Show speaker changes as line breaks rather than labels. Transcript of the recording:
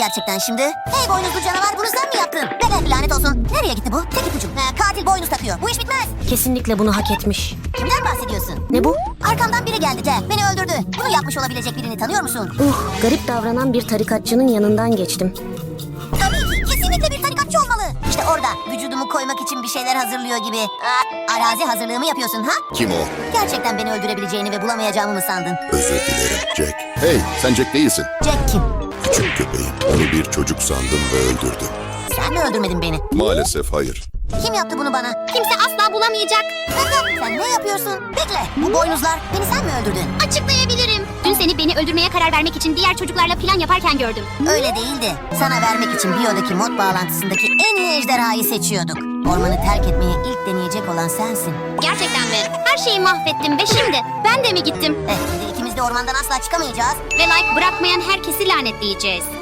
gerçekten şimdi? Hey boynuzlu canavar, bunu sen mi yaptın? Bebe lanet olsun. Nereye gitti bu? Tek ipucum. Katil boynuz takıyor. Bu iş bitmez.
Kesinlikle bunu hak etmiş.
Kimden bahsediyorsun?
Ne bu?
Arkamdan biri geldi Jack. Beni öldürdü. Bunu yapmış olabilecek birini tanıyor musun?
Garip davranan bir tarikatçının yanından geçtim.
Tabii ki. Kesinlikle bir tarikatçı olmalı. İşte orada. Vücudumu koymak için bir şeyler hazırlıyor gibi. Arazi hazırlığı mı yapıyorsun ha?
Kim o?
Gerçekten beni öldürebileceğini ve bulamayacağımı mı sandın?
Özür dilerim Jack. Hey, sen Jack değilsin.
Jack kim?
Küçük köpeğim. Onu bir çocuk sandım ve öldürdüm.
Sen mi öldürmedin beni?
Maalesef hayır.
Kim yaptı bunu bana? Kimse asla bulamayacak. Sen ne yapıyorsun? Bekle. Bu boynuzlar. Beni sen mi öldürdün?
Açıklayabilirim. Dün seni beni öldürmeye karar vermek için diğer çocuklarla plan yaparken gördüm.
Öyle değildi. Sana vermek için biyodaki mod bağlantısındaki en iyi ejderhayı seçiyorduk. Ormanı terk etmeyi ilk deneyecek olan sensin.
Gerçekten mi? Her şeyi mahvettim ve şimdi ben de mi gittim?
Şimdi ikimiz de ormandan asla çıkamayacağız.
Ve like bırakmayan herkesi lanetleyeceğiz.